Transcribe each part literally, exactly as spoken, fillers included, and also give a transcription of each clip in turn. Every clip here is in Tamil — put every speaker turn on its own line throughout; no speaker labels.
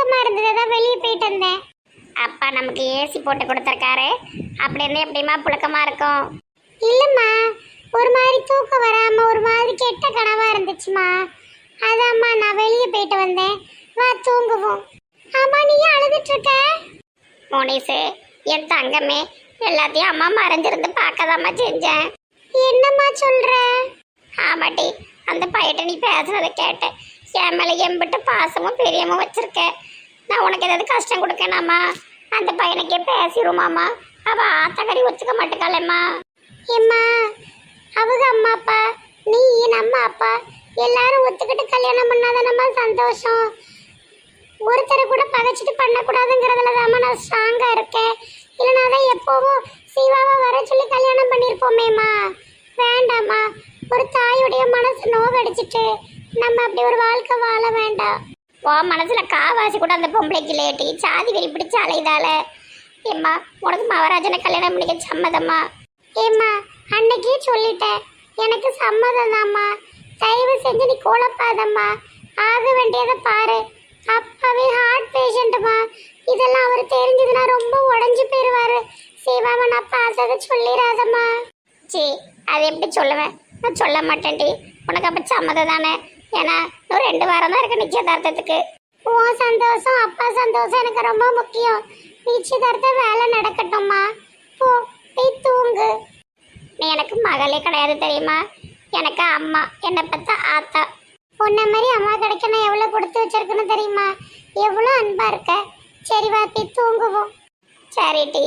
புழுக்கமா இருந்தது, அதான் வெளியே போயிட்டு வந்தேன். அப்பா நமக்கு ஏசி போட்டு கொடுத்துருக்காரு, அப்படி இருந்தா எப்படிமா புழுக்கமா இருக்கும்? இல்லம்மா, ஒரு மாதிரி தூக்கம் வராம ஒரு மாதிரி கெட்ட கனவா இருந்துச்சுமா, அதாம்மா நான் வெளியே போயிட்டு வந்தேன். வா தூங்குவோம். ஆமா, நீ அழுதுட்டு இருக்க? மோனிசு, என் தங்கமே, எல்லாத்தையும் அம்மா மறைஞ்சிருந்து பார்க்கதாம்மா செஞ்சேன். என்னம்மா சொல்ற? ஆமாட்டி, அந்த பையட்ட நீ பேசுறதை கேட்டேன். என் மேலே எம்பிட்டு பாசமும் பெரியமும் வச்சிருக்க. நான் உனக்கு ஏதாவது கஷ்டம் கொடுக்கணாமா? அந்த பையனுக்கே பேசிடுமாம்மா. அவ ஆத்தக்கறி ஒத்துக்க மாட்டேக்காளம்மா. ஏம்மா, அவங்க அம்மா அப்பா, நீ நம்ம அப்பா எல்லாரும் ஒத்துக்கிட்டு கல்யாணம் பண்ணாதானம்மா சந்தோஷம். ஒருத்தரை கூட பகைச்சிட்டு பண்ணக்கூடாதுங்கிறதுல தாம்மா நான் ஸ்ட்ராங்கா இருக்கேன். இல்லைனா தான் எப்போவும் சிவாவை வர சொல்லி கல்யாணம் பண்ணியிருப்போமேம்மா. வேண்டாம்மா, ஒரு தாயுடைய மனசு நோகடிச்சிட்டு நம்ம அப்படி ஒரு வாழ்க்கை வாழ வேண்டாம். ஓ மனசுல காவாசி கூட அந்த பொம்பளைக்கு லேட்டி சாதி வெறி பிடிச்ச அலைதால. ஏம்மா, உனக்கு மகாராஜனை கல்யாணம் பண்ணிக்க சம்மதம்மா? ஏம்மா, அன்னைக்கே சொல்லிட்டேன், எனக்கு சம்மதம் தாம்மா. தயவு செஞ்சு நீ குழப்பாதம்மா, ஆக வேண்டியதை பாரு. அப்பாவே ஹார்ட் பேஷண்ட்டுமா, இதெல்லாம் அவர் தெரிஞ்சதுன்னா ரொம்ப உடஞ்சி போயிடுவாரு. சிவாவை நான் பார்த்ததை சொல்லிடாதம்மா. சி, அதை எப்படி சொல்லுவேன்? நான் சொல்ல மாட்டேன்டி. உனக்கு அப்போ சம்மதம் தானே? ஏன்னா இன்னும் ரெண்டு வாரம் தான் இருக்கு நிச்சயதார்த்தத்துக்கு. உன் சந்தோஷம் அப்பா சந்தோஷம் எனக்கு ரொம்ப முக்கியம். நிச்சயதார்த்த வேலை நடக்கட்டும்மா. போ, போய் தூங்கு. நீ எனக்கு மகளே கிடையாது தெரியுமா? எனக்கு அம்மா, என்னை பார்த்தா ஆத்தா. உன்ன மாதிரி அம்மா கிடைக்க நான் எவ்வளோ கொடுத்து வச்சிருக்குன்னு தெரியுமா? எவ்வளோ அன்பா இருக்க. சரி வா, போய் தூங்குவோம். சரி டி.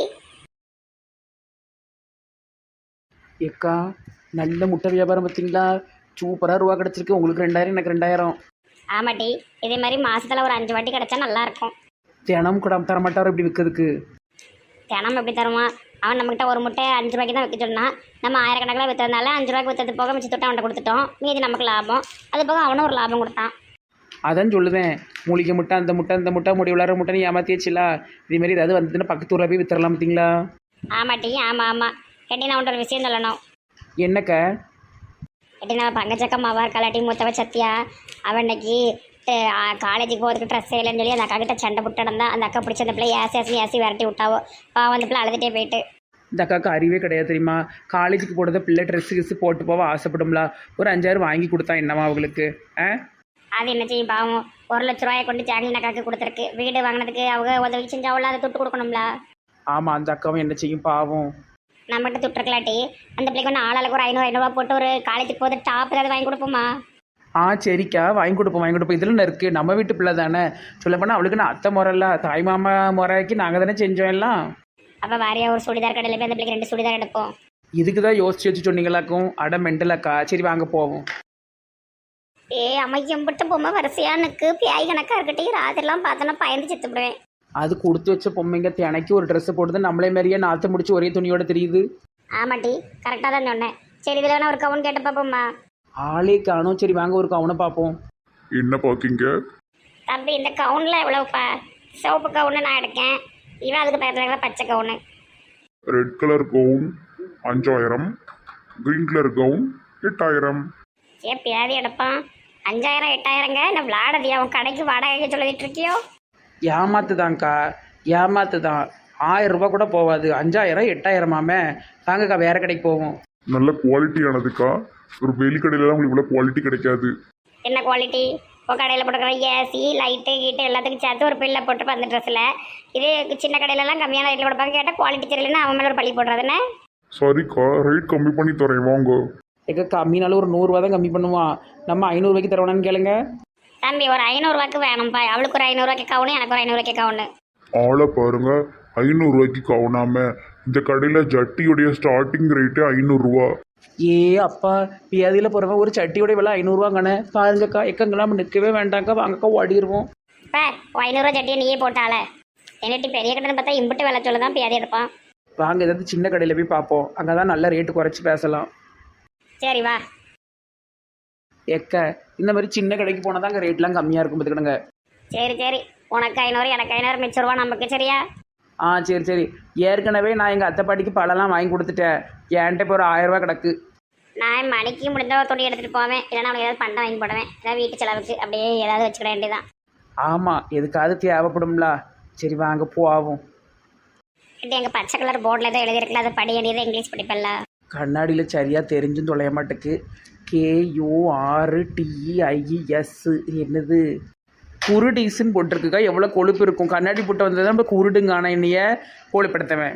ஏக்கா, நல்ல முட்டை வியாபாரம் பார்த்தீங்களா? சூப்பராக ரூபா கிடச்சிருக்கு. உங்களுக்கு ரெண்டாயிரம், எனக்கு ரெண்டாயிரம்.
ஆமாட்டி, இதே மாதிரி மாசத்துல ஒரு அஞ்சு வாட்டி கிடைச்சா நல்லா இருக்கும்.
தினம் கூட தர மாட்டாரோ இப்படி விற்கிறதுக்கு?
தினம் எப்படி தருவான்? அவன் நம்மகிட்ட ஒரு முட்டை அஞ்சு ரூபாய்க்கு தான் வைக்க சொன்னான். நம்ம ஆயிரக்கணக்கில் விற்றதுனால அஞ்சு ரூபாய்க்கு விற்றது போக மிச்ச தொட்டு அவன்கிட்ட கொடுத்துட்டோம். மீதி நமக்கு லாபம். அது போக அவனும் ஒரு லாபம் கொடுத்தான்.
அதான் சொல்லுவேன், மூலிகை முட்டை, அந்த முட்டை, அந்த முட்டை, முடி விளாட்ற முட்டை நீ ஏமாத்தியாச்சுலா. இதேமாரி ஏதாவது வந்துட்டுன்னா பக்கத்து ஊரில் போய் வித்தரலாம் பார்த்தீங்களா?
ஆமாட்டி, ஆமாம் ஆமாம். கேட்டி, நான் உன்ட்ட ஒரு விஷயம் சொல்லணும்.
என்னக்க?
கேட்டி, நம்ம பங்கச்சக்கம்மாவா இருக்காளாட்டி மூத்தவ சத்தியா, அவன் இன்னைக்கு காலேஜுக்கு போகிறதுக்கு ட்ரெஸ் இல்லைன்னு சொல்லி அந்த அக்கா கிட்ட சண்டை புட்டு நடந்தா. அந்த அக்கா பிடிச்ச அந்த பிள்ளை ஏசி ஏசி ஏசி விரட்டி விட்டாவோ. பாவம், அந்த பிள்ளை அழுதுகிட்டே போயிட்டு.
இந்த அக்காவுக்கு அறிவே கிடையாது தெரியுமா? காலேஜுக்கு போடுறத பிள்ளை ட்ரெஸ்ஸு கிஸ்ஸு போட்டு போவ ஆசைப்படும்ல. ஒரு அஞ்சாயிரம் வாங்கி கொடுத்தா என்னவா அவங்களுக்கு? ஆ,
அது என்ன செய்யும் பாவம்? ஒரு லட்ச ரூபாயை கொண்டு ஜாங்கிலின் அக்காவுக்கு கொடுத்துருக்கு. வீடு வாங்கினதுக்கு அவங்க உதவி செஞ்சாவில் அதை துட்டு கொடுக்கணும்ல.
ஆமாம், அந்த அக்காவும் என்ன செய்யும் பாவம்?
நம்மகிட்ட துட்டுருக்கலாட்டி அந்த பிள்ளைக்கு ஒன்று ஆளாளுக்கு ஒரு ஐநூறு ஐநூறுவா போட்டு ஒரு காலேஜுக்கு போது டாப் ஏதாவது வாங்கி கொடுப்போமா?
ஆ சரிக்கா, வாங்கி கொடுப்போம் வாங்கி கொடுப்போம். இதில் இருக்குது, நம்ம வீட்டு பிள்ளை தானே. சொல்ல போனால் அவளுக்கு நான் அத்தை முறையில்ல, தாய் மாமா முறைக்கு நாங்கள் தானே செஞ்சோம் எல்லாம்.
அப்போ வாரியா ஒரு சுடிதார் கடையில் போய் அந்த பிள்ளைக்கு ரெண்டு சுடிதார் எடுப்போம்.
இதுக்கு தான் யோசிச்சு வச்சு சொன்னீங்களாக்கும். அட மெண்டலாக்கா. சரி வாங்க போவோம்.
ஏ அமைக்கம் பட்டு பொம்மை வரிசையானுக்கு பியாய் கணக்காக இருக்கட்டும். ராத்திரிலாம் பார்த்தோன்னா பயந்து செத்துப்படுவேன்.
அது கொடுத்து வச்ச பொம்மைங்க தினைக்கு ஒரு ட்ரெஸ்ஸை போட்டு நம்மளே மாதிரியே நாற்று முடிச்சு ஒரே துணியோட தெரியுது.
ஆமாட்டி, கரெக்டாக தான் சொன்னேன். சரி, இதில் வேணா ஒரு கவுன் கேட்டு பார்ப்போம்மா.
ஆளே காணும். சரி வாங்க ஒரு கவுனை பார்ப்போம்.
என்ன பார்க்கிங்க
தம்பி? இந்த கவுனில் எவ்வளோப்பா? சிவப்பு கவுனு நான் எடுக்கேன். இவன் அதுக்கு பக்கத்தில் பச்சை கவுனு.
ரெட் கலர் கவுன் அஞ்சாயிரம், கிரீன் கலர் கவுன் எட்டாயிரம்.
ஏன் பியாதி எடுப்பான்? அஞ்சாயிரம் எட்டாயிரங்க? நான் விளாடதி அவன் கடைக்கு வாடகை சொல்லிட்டு இருக்கியோ?
ஏமாத்துதான்க்கா, ஏமாத்து தான். ஆயிரம் ரூபா கூட போகாது. அஞ்சாயிரம் எட்டாயிரமாமே. வாங்கக்கா, வேற கடைக்கு போவோம்.
நல்ல குவாலிட்டியானதுக்கா. ஒரு வெளிக்கடையிலலாம் உங்களுக்கு இவ்வளோ குவாலிட்டி கிடைக்காது.
என்ன குவாலிட்டி? இப்போ கடையில் போட்டுக்கிற ஏசி லைட்டு கீட்டு எல்லாத்துக்கும் சேர்த்து ஒரு பில்லை போட்டுருப்போம் அந்த ட்ரெஸ்ஸில். இதே சின்ன கடையிலலாம் கம்மியான ரேட்டில் கொடுப்பாங்க. கேட்டால் குவாலிட்டி தெரியலன்னா அவன் மேலே ஒரு பழி போடுறதுன்னு.
சரிக்கா, ரேட் கம்மி பண்ணி தரேன் வாங்க.
எங்க கம்மினாலும் ஒரு நூறுரூவா தான் கம்மி பண்ணுவான். நம்ம ஐநூறுரூவாய்க்கு தருவானான்னு கேளுங்க.
தம்பி, ஒரு ஐநூறுரூவாக்கு வேணும்ப்பா. அவளுக்கு ஒரு ஐநூறுரூவாய்க்கு கவுனு, எனக்கு ஒரு ஐநூறுவாய்க்கு கவுனு.
ஆளை பாருங்க, ஐநூறுரூவாய்க்கு கவுனாம. இந்த கடையில் ஜட்டியுடைய ஸ்டார்டிங் ரேட்டு ஐநூறுரூவா.
ஏ அப்பா, பியாதியில் போகிறவன் ஒரு சட்டியோட விலை ஐநூறுரூவாங்கண்ணே. பாருங்கக்கா, எக்கங்கெல்லாம் நிற்கவே வேண்டாங்க்கா. வாங்கக்கா, ஓடிடுவோம்.
இப்போ ஐநூறுரூவா சட்டியை நீயே போட்டால. என்னட்டி பெரிய கடைன்னு பார்த்தா இம்பிட்டு விலை சொல்ல தான் பியாதி எடுப்பான்.
வாங்க, ஏதாவது சின்ன கடையில் போய் பார்ப்போம். அங்கே தான் நல்ல ரேட்டு குறைச்சி பேசலாம்.
சரி வா.
எக்க இந்த மாதிரி சின்ன கடைக்கு போனால் தான் அங்கே ரேட்லாம் கம்மியாக இருக்கும் பார்த்துக்கிடுங்க.
சரி சரி, உனக்கு ஐநூறு எனக்கு ஐநூறு மிச்ச ரூபா நமக்கு. சரியா?
ஆ சரி சரி. ஏற்கனவே நான் எங்கள் அத்தை பாட்டிக்கு பழம்லாம் வாங்கி கொடுத்துட்டேன். என்கிட்ட இப்போ ஒரு ஆயிரம் ரூபா கிடக்கு.
நான் மணிக்கு முடிஞ்ச ஒரு துணி எடுத்துகிட்டு போவேன். இல்லைன்னா அவனுக்கு ஏதாவது பண்டை வாங்கி போடுவேன். ஏதாவது வீட்டு செலவுக்கு அப்படியே ஏதாவது வச்சுக்கிட வேண்டியதான்.
ஆமாம் எதுக்காவது தேவைப்படும்ல. சரி வாங்க போவோம்.
இப்படி எங்கள் பச்சை கலர் போர்டில் ஏதோ எழுதியிருக்கல அதை படி வேண்டியதை இங்கிலீஷ் படிப்பல்ல.
கண்ணாடியில் சரியாக தெரிஞ்சும் தொலைய மாட்டேக்கு. கேயூஆர் டிஇஐஎஸ் என்னது குருடீஸ்ன்னு போட்டிருக்குக்கா. எவ்வளோ கொழுப்பு இருக்கும். கண்ணாடி போட்டு வந்தது நம்ம குருடுங்கான என்னைய கோழிப்படுத்தவன்.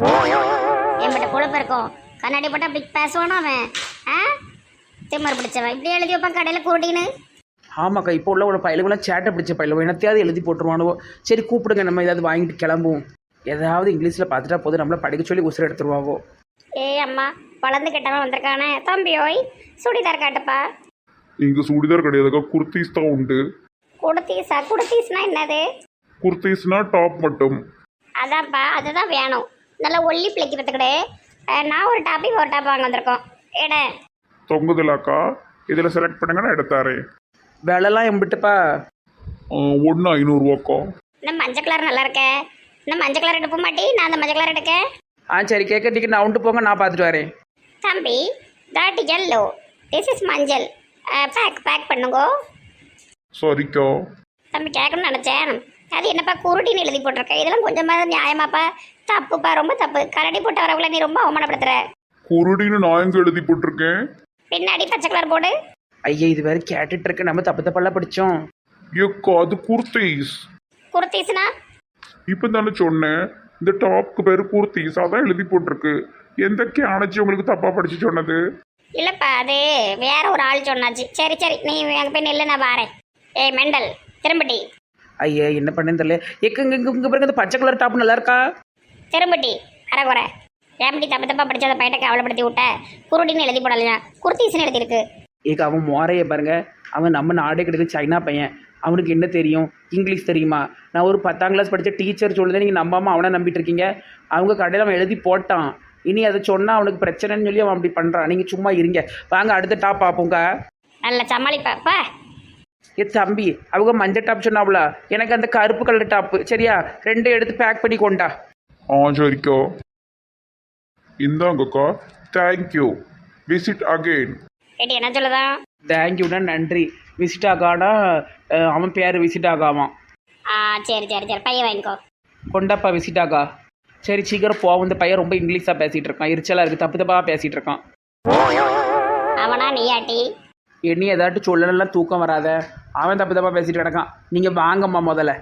என்கிட்ட கொழுப்பு இருக்கும். கண்ணாடி போட்டு அப்படி பேசுவானோ அவன். ஆ திம்மர் பிடிச்சவன் இப்படி எழுதி வைப்பான் கடையில் குருடின்னு.
ஆமாக்கா இப்போ உள்ள ஒரு பயிலுகளாம் சேட்டை பிடிச்ச பயிலுவோம். என்னத்தையாவது எழுதி போட்டுருவானுவோ. சரி கூப்பிடுங்க, நம்ம ஏதாவது வாங்கிட்டு கிளம்புவோம். ஏதாவது இங்கிலீஷில் பார்த்துட்டா போதும், நம்மளை படிக்க சொல்லி உசுர எடுத்துருவாவோ.
ஏய் அம்மா வளர்ந்து கெட்டவன் வந்திருக்கானே. தம்பி ஓய் சுடிதார் காட்டுப்பா.
இங்கே சுடிதார் கிடையாதுக்கா, குர்த்தீஸ் தான் உண்டு.
குடுத்தீஸா? குடுத்தீஸ்னா என்னது?
குர்த்தீஸ்னா டாப் மட்டும்.
அதான்ப்பா அதுதான் வேணும். நல்லா ஒல்லி பிழைக்கிறதுக்கு நான் ஒரு டாப்பி ஒரு டாப் வாங்க வந்திருக்கோம். எட
தொங்குதலாக்கா, இதில் செலக்ட் பண்ணுங்கன்னா எடுத்தாரே.
விலைலாம் எம்பிட்டுப்பா?
ஒன்று ஐநூறுரூவாக்கா.
இந்த மஞ்சள் கலர் நல்லா இருக்க. இந்த மஞ்சள் கலர் எடுப்ப மாட்டி, நான் அந்த மஞ்சள் கலர் எடுக்க.
ஆ சரி கேட்க டிக்கெட் நான் உண்டு போங்க, நான் பார்த்துட்டு வரேன்.
தம்பி தாட் எல்லோ, திஸ் இஸ் மஞ்சள். பேக் பேக் பண்ணுங்கோ.
சரிக்கா.
தம்பி கேட்கணும்னு நினச்சேன். அது என்னப்பா குருடின்னு எழுதி போட்டிருக்க. இதெல்லாம் கொஞ்சமாக நியாயமாப்பா? தப்புப்பா, ரொம்ப தப்பு. கரடி போட்டு வரவங்கள நீ ரொம்ப அவமானப்படுத்துற.
குருடின்னு நான் எங்க எழுதி போட்டிருக்கேன்?
பின்னாடி பச்சை கலர் போடு.
ஐயா இது வேறு கேட்டுட்டு இருக்க. நம்ம தப்பு தப்பெல்லாம் படித்தோம்.
ஏக்கா அது குர்த்தீஸ்.
குர்த்தீஸ்னா?
இப்போ தானே சொன்னேன், இந்த டாப்க்கு பேர் குர்த்தீஸ், அதான் எழுதி போட்டிருக்கு. எந்த கேனச்சி உங்களுக்கு தப்பா படிச்சு சொன்னது?
இல்லைப்பா அது வேற ஒரு ஆள் சொன்னாச்சு. சரி சரி நீ அங்கே போய் நெல்லு, நான் வாரேன். ஏய் மெண்டல் திரும்பட்டி.
ஐயா என்ன பண்ணேன்னு தெரியல. எக்க இங்கே இங்கே பிறகு இந்த பச்சை கலர் டாப் நல்லா இருக்கா?
திரும்பட்டி அரைக்குறை. ஏம்பட்டி தப்பு தப்பா படிச்சு அந்த பையனை கவலைப்படுத்தி விட்ட. குருடின்னு எழுதி போடலையா, குர்த்தீஸ்னு எழுதியிருக்கு.
ஏக்கா அவன் மோரையை பாருங்க. அவன் நம்ம நாடே கிடையாது, சைனா பையன். அவனுக்கு என்ன தெரியும்? இங்கிலீஷ் தெரியுமா? நான் ஒரு பத்தாம் கிளாஸ் படித்த டீச்சர் சொல்லுதே நீங்கள் நம்பாமல் அவனை நம்பிட்டு இருக்கீங்க. அவங்க கடையில் அவன் எழுதி போட்டான். இனி அதை சொன்னால் அவனுக்கு பிரச்சனைன்னு சொல்லி அவன் அப்படி பண்ணுறான். நீங்கள் சும்மா இருங்க, வாங்க அடுத்த டாப் பார்ப்போங்க.
நல்ல சமாளிப்பாப்பா.
ஏ தம்பி, அவங்க மஞ்சள் டாப் சொன்னாவுல, எனக்கு அந்த கருப்பு கலர் டாப்பு சரியா? ரெண்டு எடுத்து பேக் பண்ணி கொண்டா.
ஆ சரிக்கா. இந்தாங்கக்கா. தேங்க்யூ. Visit again.
கேட்டி என்ன சொல்லுதான்?
தேங்க்யூண்ணா நன்றி. விசிட் ஆகானா அவன் பேர் விசிட் ஆகாவான்.
ஆ சரி சரி சரி பையன் வாங்கிக்கோ.
கொண்டாப்பா விசிட் ஆகா. சரி சீக்கிரம் போவோம். இந்த பையன் ரொம்ப இங்கிலீஷாக பேசிகிட்டு இருக்கான். எரிச்சலாக இருக்குது, தப்பு தப்பாக பேசிகிட்டு இருக்கான்.
அவனா நீயாட்டி?
என்னி ஏதாட்டு சொல்லலாம் தூக்கம் வராத. அவன் தப்பு தப்பாக பேசிட்டு கிடக்கான். நீங்கள் வாங்கம்மா முதல்ல.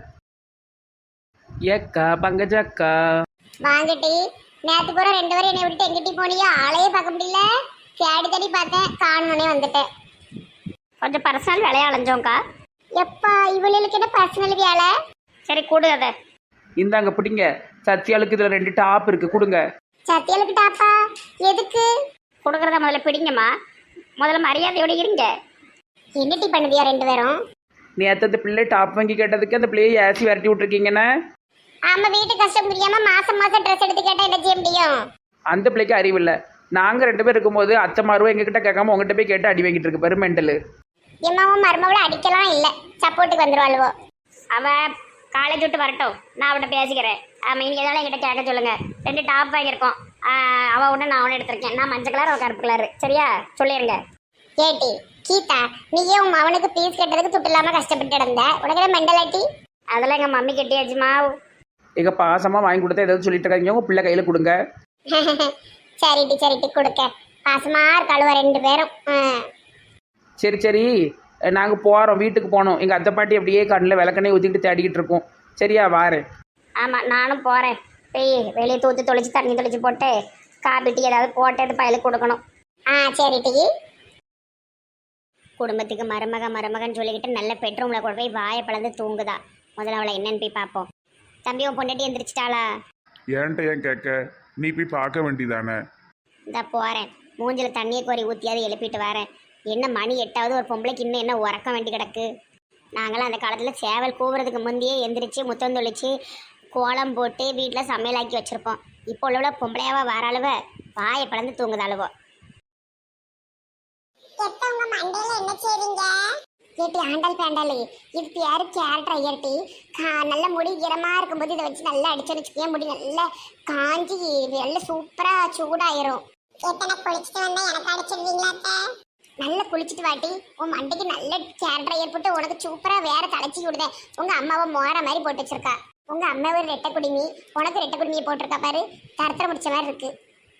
ஏக்கா பங்கஜக்கா
வாங்கட்டி. நேற்று பூரா ரெண்டு பேரும் என்னை விட்டு எங்கிட்டி போனியோ? ஆளையே பார்க்க முடியல. தேடி தேடி பார்த்தேன், காணுனே வந்துட்டேன். கொஞ்சம் பர்சனல் வேலையை அலைஞ்சோங்க்கா. எப்பா இவளுக்கு என்ன பர்சனல் வேலை? சரி கொடு அதை.
இந்தாங்க பிடிங்க. சத்யாளுக்கு இதில் ரெண்டு டாப் இருக்குது, கொடுங்க.
சத்தியாளுக்கு டாப்பா? எதுக்கு கொடுக்குறத முதல்ல பிடிங்கம்மா. முதல்ல மரியாதையோட இருங்க. என்னட்டி பண்ணுதியா ரெண்டு பேரும்?
நேற்று அந்த பிள்ளை டாப் வாங்கி கேட்டதுக்கு அந்த பிள்ளையை ஏசி விரட்டி விட்ருக்கீங்கண்ணே.
ஆமா வீட்டு கஷ்டம் புரியாம மாசம் மாசம் ட்ரெஸ் எடுத்து கேட்டா என்ன செய்ய முடியும்?
அந்த பிள்ளைக்கு அறிவில்லை. நாங்கள் ரெண்டு பேர் இருக்கும்போது அத்தை மாறுவோம் எங்ககிட்ட கேட்காம உங்ககிட்ட போய் கேட்டு அடி வாங்கிட்டு இருக்கு பாரு மெண்டலு.
எம்மாவும் மருமவளை அடிக்கலாம் இல்லை, சப்போர்ட்டுக்கு வந்துருவாளுவோ. அவ காலேஜ் விட்டு வரட்டும், நான் அவட்ட பேசிக்கிறேன். ஆமாம் இனி எதாவது என்கிட்ட கேட்க சொல்லுங்க. ரெண்டு டாப் வாங்கியிருக்கோம். அவள் ஒன்று நான் ஒன்று எடுத்திருக்கேன். நான் மஞ்சள் கலர் அவள் கருப்பு கலர். சரியா சொல்லிடுங்க. ஏட்டி கீதா நீயே உன் அவனுக்கு பீஸ் கட்டுறதுக்கு துட்டு இல்லாமல் கஷ்டப்பட்டு இருந்த. உனக்கு மெண்டலாட்டி? அதெல்லாம் எங்கள் மம்மி கட்டியாச்சுமா.
எங்கள் பாசமாக வாங்கி கொடுத்தா ஏதாவது சொல்லிட்டு இருக்காங்க. உங்கள் பிள்ளை கையில் கொடுங்க.
சரிட்டி சரிட்டி கொடுக்க. பாசமா இருக்காளுவ ரெண்டு பேரும்.
சரி சரி நாங்கள் போகிறோம், வீட்டுக்கு போனோம். எங்கள் அத்தை பாட்டி அப்படியே கண்ணில் விளக்கண்ணே ஊற்றிக்கிட்டு தேடிக்கிட்டு இருக்கோம். சரியா வாரேன்.
ஆமாம் நானும் போகிறேன். போய் வெளியே தூத்து தொளிச்சு தண்ணி தொளிச்சு போட்டு காபி டீ ஏதாவது போட்டு அது பயிலுக்கு கொடுக்கணும். ஆ சரி டீ. குடும்பத்துக்கு மருமக மருமகன்னு சொல்லிக்கிட்டு நல்ல பெட்ரூமில் கொண்டு போய் வாயை பழந்து தூங்குதா. முதல்ல அவளை என்னன்னு போய் பார்ப்போம். தம்பி உன் பொண்டாட்டி எந்திரிச்சிட்டாளா?
ஏன்ட்ட ஏன் கேட்க, நீ போய் பார்க்க வேண்டியதானே?
இந்த போகிறேன். மூஞ்சில் தண்ணியை கோரி ஊற்றியாவது எழுப்பிட்டு வரேன். என்ன மணி எட்டாவது ஒரு பொம்பளைக்கு இன்னும் என்ன உறக்க வேண்டி கிடக்கு. நாங்களாம் அந்த காலத்தில் சேவல் கூவுறதுக்கு முந்தையே எந்திரிச்சு முத்தம் தொளிச்சு கோலம் போட்டு வீட்டில் சமையலாக்கி வச்சுருப்போம். இப்போ உள்ள பொம்பளையாவா வர அளவ வாயை பழந்து தூங்குத அளவோ. என்ன செய்றீங்க? கேட்டி ஆண்டாள் பேண்டாளு இது பேரு கேரட் ஐயர்ட்டி. நல்ல முடி ஈரமாக இருக்கும்போது இதை வச்சு நல்லா அடிச்சு வச்சுக்கே முடி நல்லா காஞ்சி நல்லா சூப்பராக சூடாயிரும். எத்தனை குளிச்சுட்டு வந்தா எனக்கு அடிச்சிருவீங்களா? நல்லா குளிச்சுட்டு வாட்டி உன் மண்டைக்கு நல்ல கேர் ட்ரையர் போட்டு உனக்கு சூப்பரா வேற தலைச்சி விடுத. உங்க அம்மாவை மோர மாதிரி போட்டு வச்சிருக்கா. உங்க அம்மா ஒரு ரெட்டை குடிமி, உனக்கு ரெட்டை குடிமியை போட்டிருக்கா பாரு. தரத்தர முடிச்ச மாதிரி இருக்கு.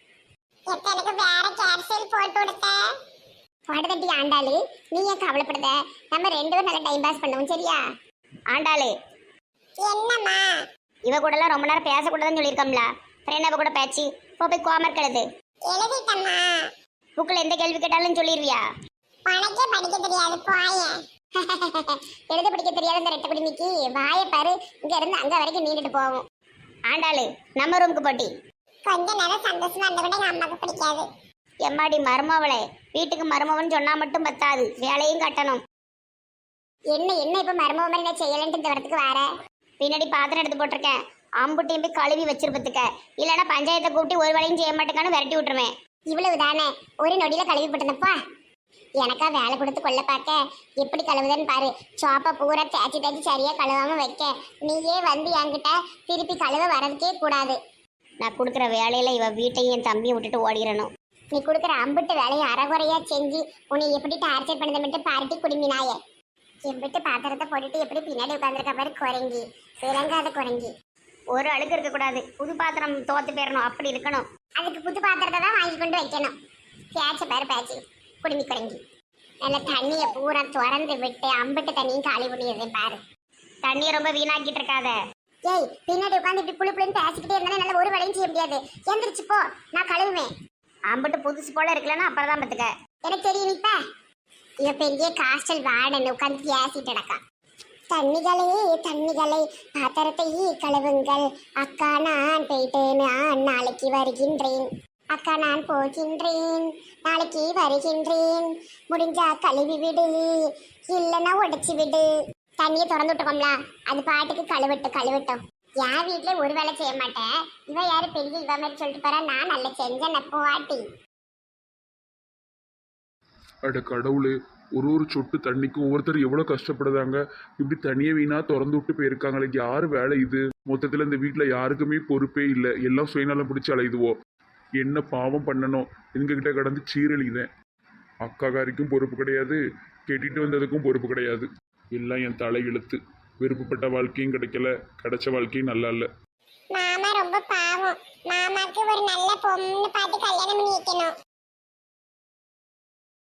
எனக்கு வேற கேப்சூல் போட்டு கொடுத்த பாடுதட்டி ஆண்டாளு. நீ ஏன் கவலைப்படுத? நம்ம ரெண்டு பேரும் நல்லா டைம் பாஸ் பண்ணுவோம் சரியா? ஆண்டாளு என்னம்மா? இவ கூட எல்லாம் ரொம்ப நேரம் பேசக்கூடாதுன்னு சொல்லியிருக்கோம்ல. ஃப்ரெண்ட் கூட பேச்சு போ போய் கோமர்க் எழுது. எழுதிட்டம்மா. புக்கில் எந்த கேள்வி கேட்டாலும் சொல்லிடுவியா? உனக்கே படிக்க தெரியாது போய. எழுத படிக்க தெரியாத இந்த ரெட்டை குடிமிக்கு வாயை பாரு. இங்க இருந்து அங்க வரைக்கும் நீண்டுட்டு போவோம். ஆண்டாளு நம்ம ரூமுக்கு போட்டி. கொஞ்ச நேரம் சந்தோஷமா இருந்த கூட எங்க அம்மாவுக்கு பிடிக்காது. எம்மாடி மருமவளே, வீட்டுக்கு மருமவன் சொன்னா மட்டும் பத்தாது, வேலையும் கட்டணும். என்ன என்ன இப்ப மருமவ மாதிரி நான் செய்யலன்ட்டு இந்த வரத்துக்கு வேற பின்னாடி பாத்திரம் எடுத்து போட்டிருக்கேன். அம்புட்டையும் போய் கழுவி வச்சிருப்பதுக்க. இல்லைன்னா பஞ்சாயத்தை கூப்பிட்டு ஒரு வேலையும் செய்ய மாட்டேக்கான்னு விரட்டி விட்டுருவேன். இவ்வளவு தானே, ஒரு நொடியில கழுவி போட்டனப்பா. எனக்கா வேலை கொடுத்து கொள்ள பார்க்க எப்படி கழுவுதுன்னு பாரு. சோப்பா பூரா தேய்ச்சி தேய்ச்சி சரியா கழுவாம வைக்க நீயே வந்து என்கிட்ட திருப்பி கழுவ வரதுக்கே கூடாது. நான் கொடுக்குற வேலையில இவ வீட்டையும் என் தம்பியும் விட்டுட்டு ஓடிடணும். நீ கொடுக்குற அம்பிட்டு வேலையை அறகுறையா செஞ்சு உன்னை எப்படி டார்ச்சர் பண்ணதை மட்டும் பார்ட்டி குடும்பினாயே. எம்பிட்டு பாத்திரத்தை போட்டுட்டு எப்படி பின்னாடி உட்காந்துருக்க பாரு குரங்கி, விளங்காத குரங்கி. ஒரு அழுக்கு இருக்கக்கூடாது. புது பாத்திரம் தோத்து போயிடணும், அப்படி இருக்கணும். அதுக்கு புது பாத்திரத்தை தான் வாங்கி கொண்டு வைக்கணும். பேச்ச பேர் பேச்சு குடுமி குரங்கி. நல்ல தண்ணியை பூரா திறந்து விட்டு அம்பிட்டு தண்ணியும் காலி பண்ணிடுது பாரு. தண்ணியை ரொம்ப வீணாக்கிட்டு இருக்காத. ஏய், பின்னாடி உட்காந்து இப்படி புளி புளின்னு பேசிக்கிட்டே இருந்தாலும் நல்ல ஒரு வேலையும் செய்ய முடியாது. எந்திரிச்சு போ, நான் கழுவுவேன். அம்பிட்டு புதுசு போல இருக்கலன்னா அப்புறம் தான் பத்துக்க. எனக்கு தெரியும். இப்ப இவ பெரிய காஸ்டல் வாடன்னு உட்காந்து பேசிட்டு நடக்கா. தண்ணிகளே தண்ணிகளே பாத்திரத்தை கழுவுங்கள். அக்கா நான் போயிட்டு நான் நாளைக்கு வருகின்றேன். அக்கா நான் போகின்றேன், நாளைக்கு வருகின்றேன். முடிஞ்சா கழுவி விடு, இல்லைன்னா உடைச்சி விடு. தண்ணியை திறந்து விட்டுக்கோம்ல, அது பாட்டுக்கு கழுவிட்டு கழுவிட்டோம். என் வீட்டுல ஒரு வேலை செய்ய மாட்டேன். இவ யாரு பெரிய இவ மாதிரி சொல்லிட்டு போறா. நான் நல்லா செஞ்சேன் நப்போ வாட்டி.
அட கடவுளே, ஒரு ஒரு சொட்டு தண்ணிக்கும் ஒவ்வொருத்தர் எவ்வளோ கஷ்டப்படுதாங்க. இப்படி தண்ணியை வீணா திறந்து விட்டு போயிருக்காங்களே, யார் வேலை இது? மொத்தத்தில் இந்த வீட்டில் யாருக்குமே பொறுப்பே இல்லை. எல்லாம் சுயநலம் பிடிச்சி அலையுதுவோம். என்ன பாவம் பண்ணணும்? எங்ககிட்ட கடந்து சீரழிதேன். அக்காக்காரிக்கும் பொறுப்பு கிடையாது, கெட்டிட்டு வந்ததுக்கும் பொறுப்பு கிடையாது. எல்லாம் என் தலை இழுத்து. விருப்பப்பட்ட வாழ்க்கையும் கிடைக்கல, கிடைச்ச வாழ்க்கையும் நல்லா இல்லை.
மாமா ரொம்ப பாவம். மாமாக்கு ஒரு நல்ல பொண்ணு பார்த்து கல்யாணம் பண்ணி வைக்கணும்.